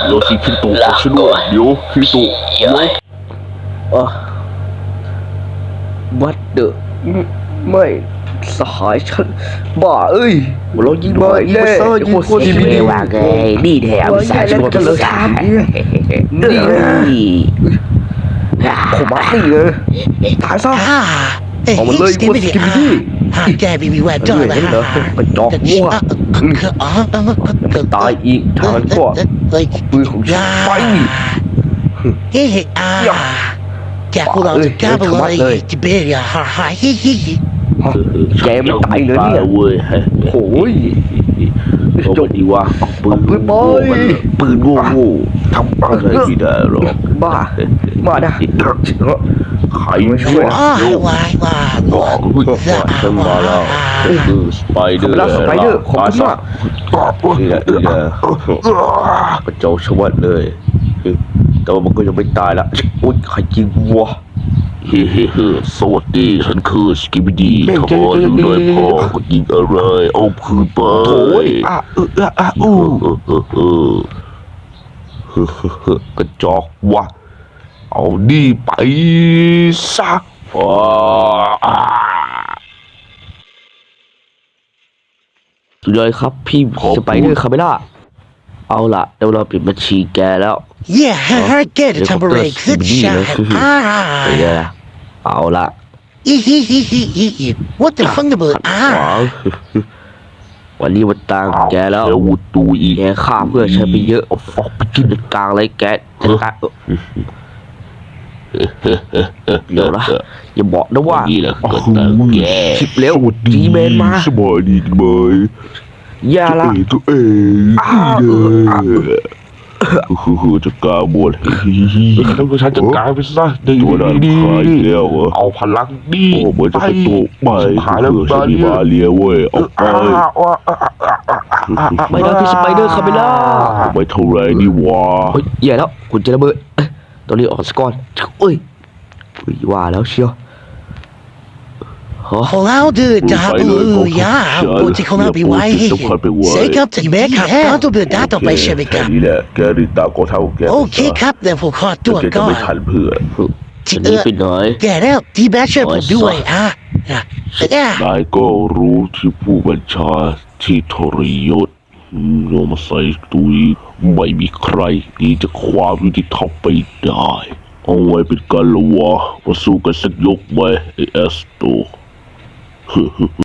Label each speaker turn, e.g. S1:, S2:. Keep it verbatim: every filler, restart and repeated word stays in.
S1: โยชิคิโตะช่วยด้วยเดี๋ยวคิโตะเดี๋ยวอ่ะวัดเดอะไม่สหายฉันบ้าเอ้ยเรายิงมาแน่ยิงคนที่มีดีว่าไงนี่แถมสายชนเลยนี่ผมมาตีเลยตายซะออกมาเลยคนที่มีดี
S2: แกบีบีแหวนจอดเลยฮะ
S1: กระจอกมั่วตายอีกทางก็ปืนของฉันไป
S2: เฮ้ยอ่าแกพวกเราจะกล้าไปเลยจิเบียฮ่าฮ่าฮิฮิฮิ
S1: แกไม่ตายเลยเนี่ยเว้ยโอ้ยจบดีว่าปืนปืนบอยปืนโง่ทำอะไรไม่ได้หรอกบ้ามาได้ใครมาช่วย
S2: วายวาย
S1: บอกฉันมาแล้วสไปเดอร์สไปเดอร์ขอบคุณมากนี่แหละนี่แหละกระเจ้าชวัดเลยแต่ว่ามันก็ยังไม่ตายละโอ๊ยใครจริงวะเฮ้เฮ้เฮ้สวัสดีฉันคือสกิบดีขออยู่หน่อยพ่อก็ยิงอะไรเอาคืนไปโอ้ยอ่ะเอออ่ะอู้กระจอกวะเอาดีไปซะว้าสุดยอดครับพี่สไปเดอร์คาเมล่าเอาล่ะเดี๋ยวเราปิดบัญชีแกแล้ว
S2: Yeah I get it ทำอะไรขึ้นช่างอ่า
S1: เอาล่ะ
S2: อีฮิฮิฮิฮิ What the fuck เนี่ยเบิร์ดอ่า
S1: วันนี้วันต่างแกแล้ววุตูอีแกฆ่าเพื่อใช้ไปเยอะออกไปกินกลางไรแกจัดการเดี๋ยวนะอย่าบอกนะว่าชิบเร็วจีเมนมา
S3: สบายดีไหม
S1: อย่าละ
S3: ตัวเองคือจะกล้าบวช
S1: ต้องฉันจัดการไปซะดีดีเอาพลังดี
S3: เหมือนจะเป็นตัวใหม่คือสติมาเลียเว้ยเอาไป
S1: ไม่ได้พี่สไปเดอร์คาเมล่า
S3: ไม่เท่าไรนี่วะ
S1: เฮ้ยแย่แล้วคุณจะระเบิดตัวนี้ออกสกอร์เอ้ยว่าแล้วเชียว
S2: ของเราดื้อจ้าบูย่าปกติของเราไปไว้เซ็กับที่แม่ครับเราต้องเดินด้านต่อไปใช่ไหมครับ
S3: นี่แหละแกริตาก็เท่าแก
S2: โอเคครับเดี๋ยวผมขอตัวก่อน
S3: ไม่ทันเพื่อ
S1: ทีนี้ไปหน่อย
S2: แกแล้วที่แม่ช่วยผมด้วยฮะ
S3: นายก็รู้ที่ผู้บัญชาที่ทรยศโยมาใส่ตุยไม่มีใครที่จะความยุติธรรมไปได้เอาไว้เป็นการละวะมาสู้กันสักยกไหมไอเอสโต